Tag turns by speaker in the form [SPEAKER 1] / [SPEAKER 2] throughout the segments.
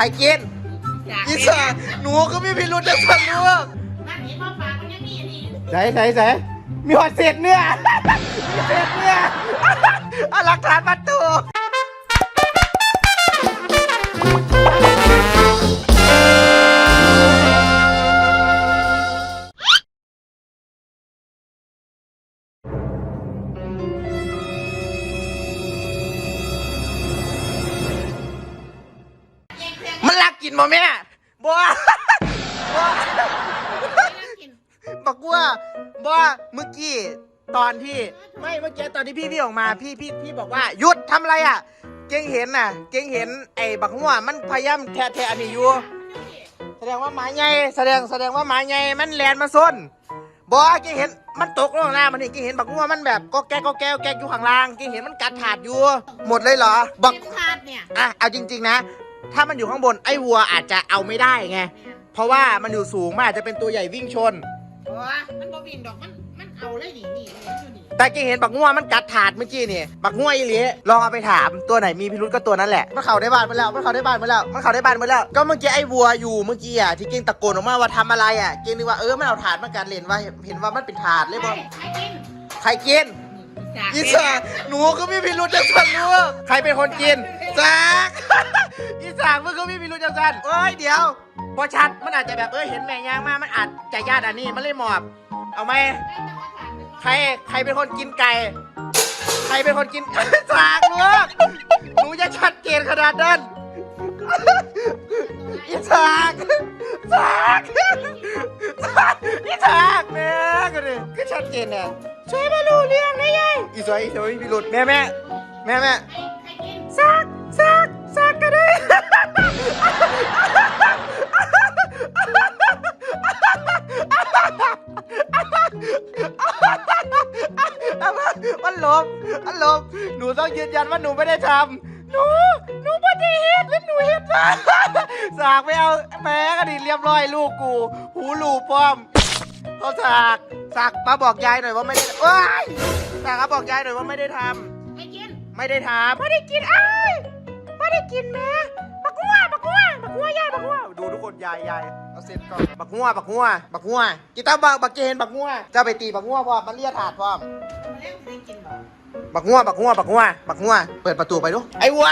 [SPEAKER 1] รกินอีสานหนูก็ไม่พิรุธจะสั่นลูก
[SPEAKER 2] นั่นเห็นว่าปากมันยังมีอันนี้
[SPEAKER 1] ใส่มีหอดเศษเนื้อมีเศษเนื้อเอาหลักฐานมาตูมันรักกินบ่แม่บ่บอกว่าบ่เมื่อกี้ตอนที่ตอนที่พี่ออกมาพี่บอกว่าหยุดทำอะไรอ่ะเก่งเห็นน่ะเก่งเห็นไอ้บักหัวมันพยายามแทะอันนี้อยู่แสดงว่าหมาใหญ่แสดงว่าหมาใหญ่มันแลนมาซนบ่เก่งเห็นมันตกลงน้ำมันนี่เก่งเห็นบักหัวมันแบบก็แกอยู่ข้างล่างเก่งเห็นมันกัดถาดอยู่หมดเลยเหรอบัก
[SPEAKER 2] ถาดเนี่ย
[SPEAKER 1] เอาจริงๆนะถ้ามันอยู่ข้างบนไอ้วัวอาจจะเอาไม่ได้ไงเพราะว่ามันอยู่สูงมันอาจจะเป็นตัวใหญ่วิ่งชน
[SPEAKER 2] มันบ่วิ่งดอกมันเอาเลยนี่
[SPEAKER 1] แต่เก่งเห็นบักงัวมันกัดถาดเมื่อกี้นี่บักงัวอีหลีลองเอาไปถามตัวไหนมีพิรุธก็ตัวนั้นแหละมันเข้าได้บ้านมาแล้วก็เมื่อกี้ไอ้วัวอยู่เมื่อกี้อ่ะที่เก่งตะโกนออกมาว่าทำอะไรอ่ะเก่งนึกว่ามันเอาถาดมากัดเล่นว่าเห็นว่ามันเป็นถาดเลยบ่ใครกินอีสานหนูก็ไม่พิรุธจะสั่นลูกใครเป็นคนกินจากอีสานมึงก็ไม่พิรุธจะสั่นเดี๋ยวพอชัดมันอาจจะแบบเห็นแม่ยางมามันอาจจะญาติอันนี้มันเลยหมอบเอาไหมใครเป็นคนกินไก่ใครเป็นคนกินจากลูกหนูจะชัดเจนขนาดนั้นอีสากแม่ก็เลยก็ชัดเจนเนี่ยช่วยมารู้เรื่องได้ยังอีสวยมีพิรุธแม่ซากกันเลยมันลบหนูต้องยืนยันว่าหนูไม่ได้ทำหนูไม่ได้เฮ็ดหรือหนูเฮ็ดสากไม่เอาแม่ก็ดีเรียบร้อยลูกกูหูหลูป้อมเขาสากมาบอกยายหน่อยว่าไม่ได้สากมาบอกยายหน่อยว่าไม่ได้ทำไม่ได้ทำไม่ได้กินไม่ได้กินแม่บักหัวยายดูทุกคนยายเอาเสร็จก่อนบักหัวกีตาร์บักเกนบักหัวจะไปตีบักหัวพอมันเลียถาดพร้อมบักหัวเปิดประตูไปดูไอ้วัว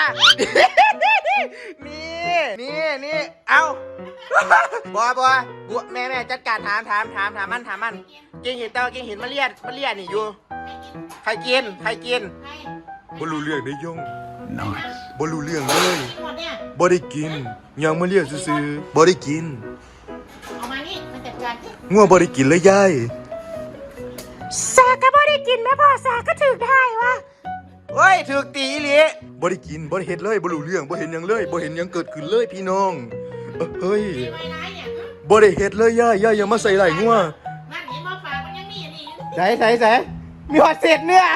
[SPEAKER 1] นี่เอาบัวแม่จัดการถามมันเก่งเห็นแต่ว่าเก่งเห็นมันเลียนี่อยู่ใครกิน
[SPEAKER 3] บ่รู้เรื่องได้ย่องบ่รู้เรื่องเลยบ่ได้กินยังมาเรียกซื่อๆบ่ได้กิน
[SPEAKER 2] เอามานี่มาจัดการ
[SPEAKER 3] งัวบ่ได้กินเลยยาย
[SPEAKER 1] สาก็บ่ได้กินแม่พ่อสาก็ถึกได้วะถึกตีหลี
[SPEAKER 3] บ่ได้กินบ่ได้เฮ็ดเลยบ่รู้เรื่องบ่เห็นหยังเลยบ่เห็นหยังเกิดขึ้นเลยพี่น้องเฮ้ยบ่ได้เฮ็ดเลยยายอย่ามาใส่ไหล่งัว
[SPEAKER 2] นั่นเห็นว่าปากมันยังมีอันนี้
[SPEAKER 1] ใส่มีหอดเศษเนื้อ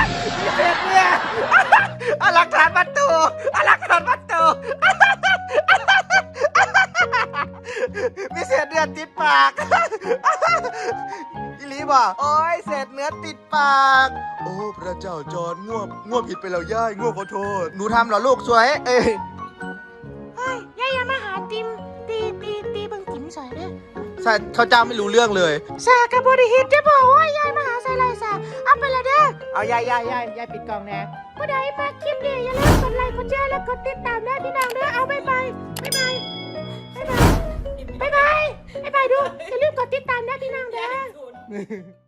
[SPEAKER 1] เอาหลักฐานมาตูมีเศษเนื้อติดปากอีหลีบอกเศษเนื้อติดปาก
[SPEAKER 3] โอ้พระเจ้าจอดง่วผิดไปแล้วย่ายง่วขอโทษ
[SPEAKER 1] หนูทำเหรอลูกสวย
[SPEAKER 2] ยายอย่ามาหาติมตีเบิ่งติมใส่เด้อ
[SPEAKER 1] เขาเจ้าไม่รู้เรื่องเลย
[SPEAKER 2] สากะบ่ได้เฮ็ดจะบอกว่ายายมาหาใส่ไรสาเอาไปละเด้อ
[SPEAKER 1] เอายายปิดกล่องแน่
[SPEAKER 2] ผู้ใดมาคลิปนี้อย่าลืมกดไลค์กดแชร์และกดติดตามนะพี่น้องเด้อเอาบ๊ายบายดูอย่าลืมกดติดตามนะพี่น้องเด้อ